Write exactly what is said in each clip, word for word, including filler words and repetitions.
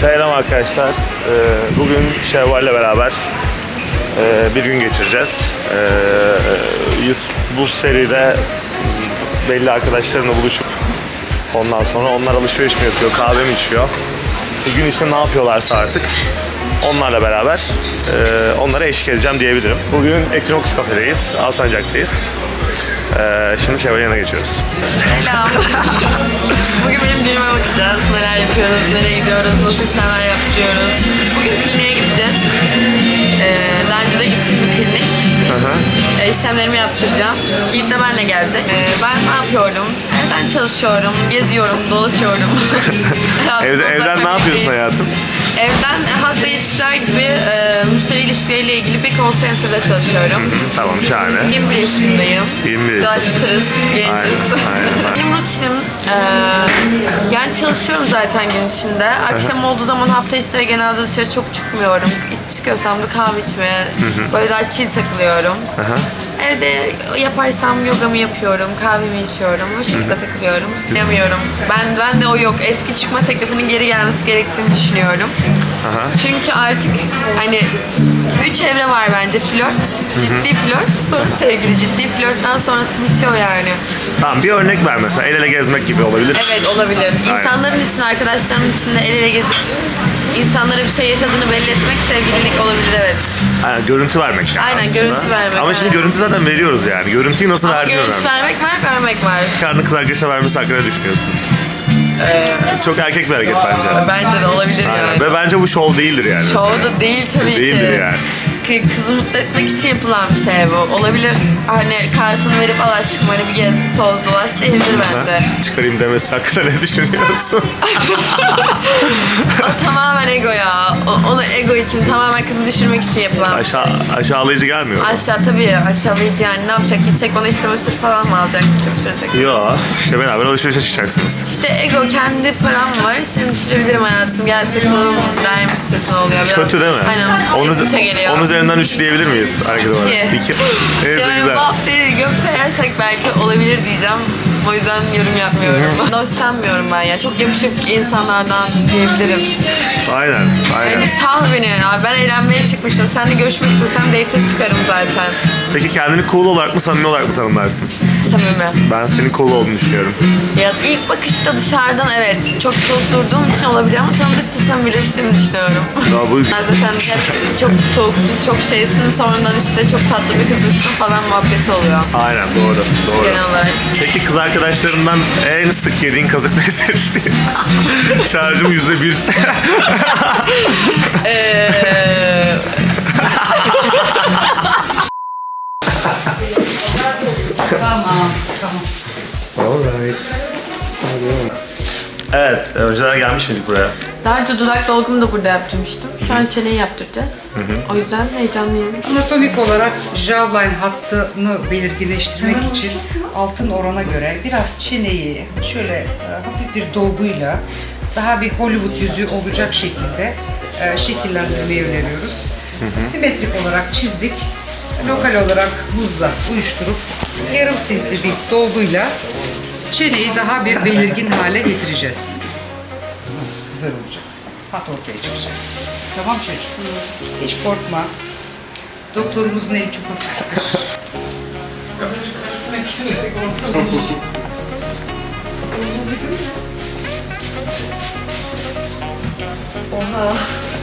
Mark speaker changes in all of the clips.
Speaker 1: Selam arkadaşlar. Ee, bugün Şevval'le beraber e, bir gün geçireceğiz. Ee, bu seride belli arkadaşlarımla buluşup ondan sonra onlar alışveriş mi yapıyor, kahve mi içiyor, bir gün içinde ne yapıyorlarsa artık onlarla beraber e, onlara eşlik edeceğim diyebilirim. Bugün Equinox Cafe'deyiz, Alsancak'tayız. Ee, şimdi Şevval'in yanına geçiyoruz.
Speaker 2: Selam. Bugün benim günüme bakacağız. Neler yapıyoruz, nereye gidiyoruz, nasıl işlemler yaptırıyoruz. Bugün kliniğe gideceğiz. Ee, daha önce de gittim bir klinik.
Speaker 1: Hı hı.
Speaker 2: Ee, işlemlerimi yaptıracağım. Yiğit de benimle gelecek. Ee, ben ne yapıyorum? Evden çalışıyorum, geziyorum, dolaşıyorum.
Speaker 1: Evde, evden ne yapıyorsun hayatım?
Speaker 2: Evden halkla ilişkiler gibi e, müşteri ilişkileriyle ilgili bir call center'da çalışıyorum.
Speaker 1: Tamam, şahane.
Speaker 2: yirmi bir yaşındayım.
Speaker 1: yirmi bir
Speaker 2: Dolaştırız, genciz. Benim rutinim, e, yani çalışıyorum zaten gün içinde. Akşam olduğu zaman hafta içleri genelde dışarı çok çıkmıyorum. Çıkıyorsam da kahve içmeye, böyle daha chill takılıyorum.
Speaker 1: Aha.
Speaker 2: Evde yaparsam yogamı yapıyorum, kahvemi içiyorum, o şekilde takılıyorum. Yapamıyorum. Ben ben de o yok. Eski çıkma teklifinin geri gelmesi gerektiğini düşünüyorum.
Speaker 1: Aha.
Speaker 2: Çünkü artık hani üç evre var bence. Flört, ciddi flört, sonra sevgili. Ciddi flörtten sonrası bitiyor yani.
Speaker 1: Tamam, bir örnek ver mesela. El ele gezmek gibi olabilir.
Speaker 2: Evet, olabilir.
Speaker 1: Aynen.
Speaker 2: İnsanların için, arkadaşlarının içinde el ele gezip insanlara bir şey yaşadığını belli etmek sevgililik olabilir, evet.
Speaker 1: Aynen, görüntü vermek yani
Speaker 2: Aynen,
Speaker 1: aslında.
Speaker 2: görüntü vermek,
Speaker 1: Ama şimdi
Speaker 2: evet.
Speaker 1: görüntü zaten veriyoruz yani. Görüntüyü nasıl
Speaker 2: Ama
Speaker 1: verdiğin
Speaker 2: görüntü
Speaker 1: önemli.
Speaker 2: vermek var, vermek var.
Speaker 1: Karnı kız arkadaşa vermesi hakkında ne düşünüyorsun? Çok erkek bir hareket bence.
Speaker 2: Bence de olabilir
Speaker 1: Aynen.
Speaker 2: yani.
Speaker 1: Ve bence bu şov değildir yani.
Speaker 2: Şov
Speaker 1: mesela.
Speaker 2: da değil tabii
Speaker 1: Değildir
Speaker 2: ki.
Speaker 1: yani.
Speaker 2: K- Kızı mutlu etmek için yapılan bir şey bu. Olabilir. Hani kartını verip al aşkım hani bir gez, toz, dolaş değildir bence.
Speaker 1: Ha? Çıkarayım demesi hakkında ne düşünüyorsun?
Speaker 2: O tamamen ego ya. O, onu ego için, tamamen kızı düşürmek için yapılan bir şey.
Speaker 1: Aşağı, aşağılayıcı gelmiyor mu?
Speaker 2: Aşağı tabii, aşağılayıcı yani. Ne yapacak? Gidecek bana iç çamaşırı falan mı alacak? İç çamaşırı tek.
Speaker 1: Yo, işte beraber alışverişe çıkacaksınız.
Speaker 2: İşte ego, kendi param var. Seni düşürebilirim hayatım. Gel takılalım dermişçesine oluyor. Biraz
Speaker 1: Kötü değil mi?
Speaker 2: Aynen.
Speaker 1: Onun,
Speaker 2: Onun, geliyor.
Speaker 1: onun üzerinden üç diyebilir miyiz? Hareket olarak.
Speaker 2: İki.
Speaker 1: İki. Neyse,
Speaker 2: Yani
Speaker 1: güzel.
Speaker 2: bu haftayı gök sayarsak belki olabilir diyeceğim. O yüzden yorum yapmıyorum. Hoşlanmıyorum ben ya. Çok yapışık insanlardan diyebilirim.
Speaker 1: Aynen, aynen.
Speaker 2: Yani sal beni ya. Ben eğlenmeye çıkmıştım. Seninle görüşmek istesem date'e çıkarım zaten.
Speaker 1: Peki kendini cool olarak mı, samimi olarak mı tanımlarsın?
Speaker 2: Samimi.
Speaker 1: Ben senin cool olduğunu düşünüyorum.
Speaker 2: Ya ilk bakışta dışarıdan evet çok soğuk durduğum için olabilir ama tanıdıkça samimileştiğimi düşünüyorum.
Speaker 1: Ya bu...
Speaker 2: Ben zaten hep çok soğuksun, çok şeysin, sonradan işte çok tatlı bir kızmışsın falan muhabbeti oluyor.
Speaker 1: Aynen, doğru, doğru.
Speaker 2: Genel olarak.
Speaker 1: Peki kız arkadaşlarından en sık yediğin kazık nedir diye. Şarjım yüzde bir.
Speaker 2: Eee...
Speaker 3: Tamam, tamam.
Speaker 1: Alright. Evet, önceden gelmiş miydik buraya?
Speaker 2: Daha önce dudak dolgumu da burada yaptırmıştım. Şu an çeneyi yaptıracağız. O yüzden heyecanlıyım.
Speaker 3: Anatomik olarak jawline hattını belirginleştirmek için altın orana göre biraz çeneyi şöyle e, hafif bir dolguyla daha bir Hollywood yüzü olacak şekilde e, şekillendirmeyi öneriyoruz. Simetrik olarak çizdik. Lokal olarak buzla uyuşturup yarım cc bir dolguyla çeneyi daha bir belirgin hale getireceğiz. Tamam, güzel olacak. Hat ortaya çıkacak. Tamam çocuğum. Hiç korkma. Doktorumuzun eli çok hafiftir.
Speaker 2: Oha.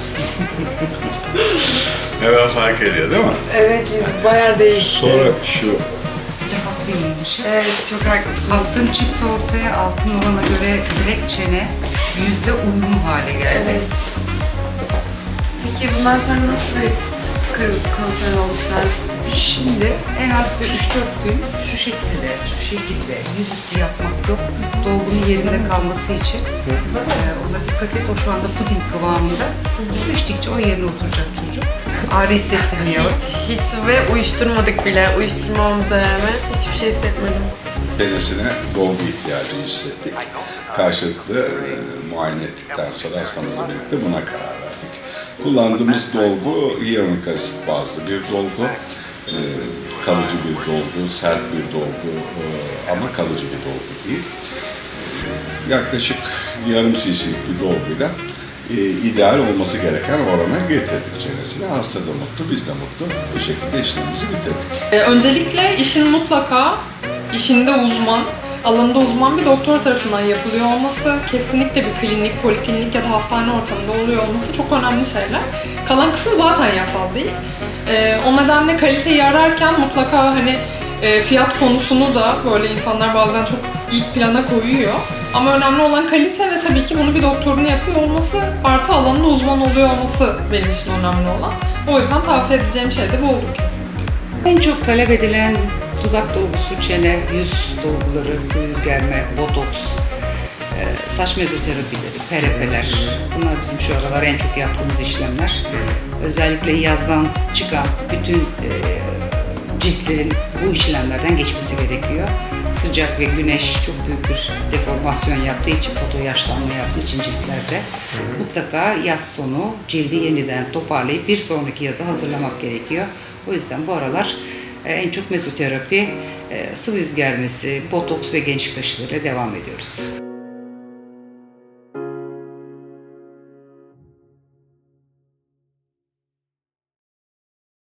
Speaker 4: Hemen fark ediyor değil mi?
Speaker 2: Evet, yüz bayağı değişti.
Speaker 4: Sonra şu
Speaker 3: Çok haklıymışız.
Speaker 2: Evet, çok haklısın.
Speaker 3: Altın çıktı ortaya, altın orana göre direkt çene yüzde uyumlu hale geldi.
Speaker 2: Evet. Peki bundan sonra nasıl bir kır- kontrol olmuş lazım?
Speaker 3: Şimdi en az bir üç dört gün şu şekilde, şu şekilde yüzüstü yatmak yok. Dolgunun yerinde kalması için e, ona dikkat et. O şu anda puding kıvamında. Su içtikçe o yerine oturacak çocuk. Ağrı hissettirmiyor.
Speaker 2: Hiç, hiç ve uyuşturmadık bile. Uyuşturmamamıza rağmen hiçbir şey hissetmedim.
Speaker 4: denesine dolgu ihtiyacı hissettik. Karşılıklı e, muayene ettikten sonra hastamızla birlikte buna karar verdik. Kullandığımız dolgu hyaluronik asit bazlı bir dolgu. E, kalıcı bir dolgu, sert bir dolgu e, ama kalıcı bir dolgu değil. Yaklaşık yarım cc'lik bir dolguyla e, ideal olması gereken orana getirdik çenesini. Hasta da mutlu, biz de mutlu. Bu şekilde işlemimizi bitirdik.
Speaker 5: Ee, öncelikle işin mutlaka işinde uzman, alanında uzman bir doktor tarafından yapılıyor olması, kesinlikle bir klinik, poliklinik ya da hastane ortamında oluyor olması çok önemli şeyler. Kalan kısım zaten yasal değil. Ee, o nedenle kaliteyi ararken mutlaka hani e, fiyat konusunu da böyle insanlar bazen çok ilk plana koyuyor. Ama önemli olan kalite ve tabii ki bunu bir doktorun yapıyor olması, artı alanında uzman oluyor olması benim için önemli olan. O yüzden tavsiye edeceğim şey de bu olur kesinlikle.
Speaker 3: En çok talep edilen dudak dolgusu, çene, yüz dolguları, sıvı yüz germe, botoks, e, saç mezoterapileri, P R P'ler. Bunlar bizim şu aralar en çok yaptığımız işlemler. Özellikle yazdan çıkan bütün e, ciltlerin bu işlemlerden geçmesi gerekiyor. Sıcak ve güneş çok büyük bir deformasyon yaptığı için, foto yaşlanma yaptığı için ciltlerde mutlaka yaz sonu cildi yeniden toparlayıp bir sonraki yaza hazırlamak gerekiyor. O yüzden bu aralar e, en çok mezoterapi, e, sıvı yüz germesi, botoks ve gençlik aşılarıyla devam ediyoruz.